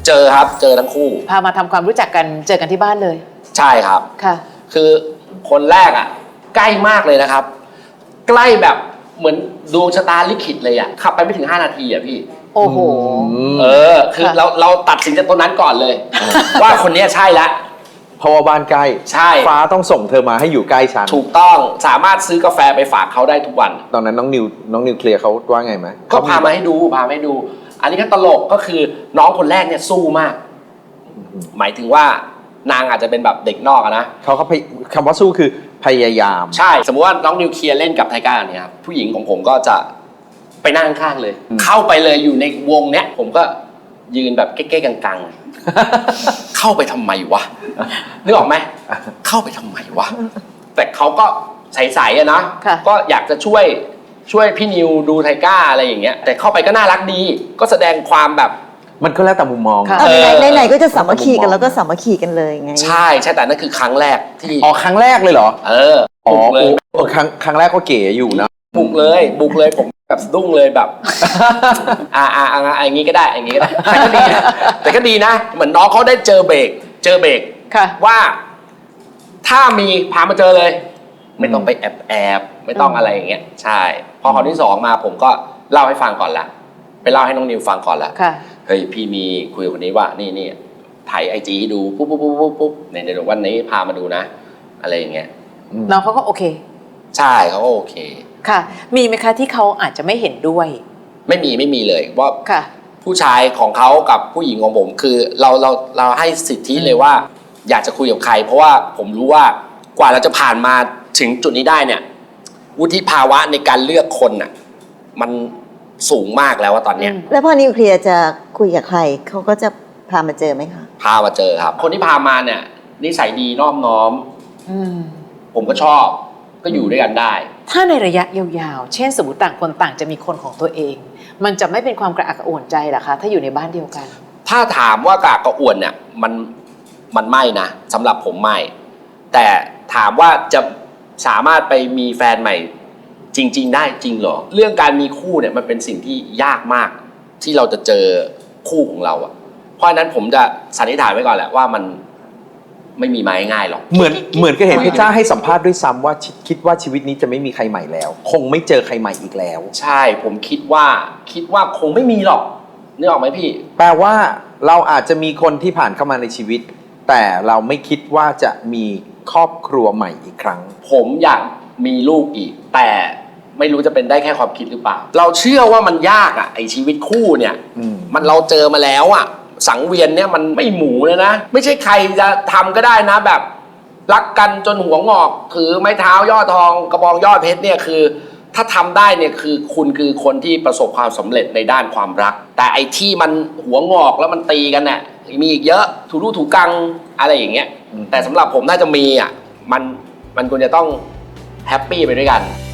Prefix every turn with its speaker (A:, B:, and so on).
A: เจอครับเจอทั้งคู่
B: พามาทำความรู้จักกันเจอกันที่บ้านเลย
A: ใช่ครับ
B: ค่ะ
A: คือคนแรกอ่ะใกล้มากเลยนะครับใกล้แบบเหมือนดวงชะตาลิขิตเลยอ่ะขับไปไม่ถึง5 นาทีอ่ะพี่
B: โอ้โห
A: คือเราตัดสินจากตัวนั้นก่อนเลยว่าคนนี้ใช่แล้ว
C: เพราะว่าบ้านใกล้
A: ใช่
C: ฟ้าต้องส่งเธอมาให้อยู่ใกล้ฉัน
A: ถูกต้องสามารถซื้อกาแฟไปฝากเขาได้ทุกวัน
C: ตอนนั้นน้องนิวเคลียร์เขาว่าไงไหม
A: ก็พามาให้ดูอันนี้ก็ตลกก็คือน้องคนแรกเนี่ยสู้มากหมายถึงว่านางอาจจะเป็นแบบเด็กนอกนะ
C: เขาคำว่าสู้คือพยายาม
A: ใช่สมมติว่าน้องนิวเคลียร์เล่นกับไทก้าเนี่ยครับผู้หญิงของผมก็จะไปนั่งข้างเลยเข้าไปเลยอยู่ในวงเนี้ยผมก็ยืนแบบเก๊ๆกังๆเข้าไปทำไมวะนึกออกไหมเข้าไปทำไมวะแต่เขาก็ใสๆอะนะก็อยากจะช่วยพี่นิวดูไทก้าอะไรอย่างเงี้ยแต่เข้าไปก็น่ารักดีก็แสดงความแบบ
C: มันก็แล้วแต่มุมมอง
D: ไหนก็จะสามัคคีกันแล้วก็สามัคคีกันเลยไง
A: ใช่แต่นั่นคือครั้งแรกที่
C: ครั้งแรกเลยเหรอ
A: บุกเลย
C: ครั้งแรกก็เก๋อยู่นะ
A: บุกเลยผมแบบสะดุ้งเลยแบบอย่างงี้ก็ได้อย่างงี้ก็ได้แต่ก็ดีนะเหมือนน้องเขาได้เจอเบรกว่าถ้ามีพามาเจอเลยไม่ต้องไปแอบไม่ต้องอะไรอย่างเงี้ยใช่พอคราวที่2มาผมก็เล่าให้ฟังก่อนละไปเล่าให้น้องนิวฟังก่อนละเฮ้ยพี่มีคุยกับคนนี้ว่านี่ถ่ายIGดูปุ๊บในเดี๋ยววันนี้พามาดูนะอะไรอย่างเงี้ย
B: น้องเขาก็โอเค
A: ใช่เขาก็โอเค
B: ค่ะมีไหมคะที่เขาอาจจะไม่เห็นด้วย
A: ไม่มีเลยว่าผู้ชายของเขากับผู้หญิงของผมคือเราให้สิทธิเลยว่าอยากจะคุยกับใครเพราะว่าผมรู้ว่ากว่าเราจะผ่านมาถึงจุดนี้ได้เนี่ยวุฒิภาวะในการเลือกคนน่ะมันสูงมากแล้วว่าตอนเนี้ย
D: แล้วพอนิวเคลียร์จะคุยกับใครเขาก็จะพามาเจอไหมคะ
A: พามาเจอครับคนที่พามาเนี่ยนิสัยดีนอบน้อมผมก็ชอบก็อยู่ด้วยกันได้
B: ถ้าในระยะยาวๆเช่นสมมติต่างคนต่างจะมีคนของตัวเองมันจะไม่เป็นความกระอักกระอ่วนใจหรอคะถ้าอยู่ในบ้านเดียวกัน
A: ถ้าถามว่ากระอักกระอ่วนเนี่ยมันไม่นะสำหรับผมไม่แต่ถามว่าจะสามารถไปมีแฟนใหม่จริงๆได้จริงเหรอเรื่องการมีคู่เนี่ยมันเป็นสิ่งที่ยากมากที่เราจะเจอคู่ของเราอะเพราะฉะนั้นผมจะสันนิษฐานไว้ก่อนแหละว่ามันไม่มีมาง่ายหรอก
C: เหมือนก็เห็นพี่จ้าให้สัมภาษณ์ด้วยซ้ำว่าคิดว่าชีวิตนี้จะไม่มีใครใหม่แล้วคงไม่เจอใครใหม่อีกแล้ว
A: ใช่ผมคิดว่าคงไม่มีหรอกนึกออกไหมพี่
C: แปลว่าเราอาจจะมีคนที่ผ่านเข้ามาในชีวิตแต่เราไม่คิดว่าจะมีครอบครัวใหม่อีกครั้ง
A: ผมอยากมีลูกอีกแต่ไม่รู้จะเป็นได้แค่ความคิดหรือเปล่าเราเชื่อว่ามันยากอ่ะไอชีวิตคู่เนี่ยมันเราเจอมาแล้วอ่ะสังเวียนเนี่ยมันไม่หมูเลยนะไม่ใช่ใครจะทำก็ได้นะแบบรักกันจนหัวงอกถือไม้เท้ายอดทองกระบองยอดเพชรเนี่ยคือถ้าทำได้เนี่ยคือคุณคือคนที่ประสบความสำเร็จในด้านความรักแต่ไอ้ที่มันหัวงอกแล้วมันตีกันเนี่ยมีอีกเยอะถูรูถูกังอะไรอย่างเงี้ยแต่สำหรับผมน่าจะมีอ่ะมันควรจะต้องแฮปปี้ไปด้วยกัน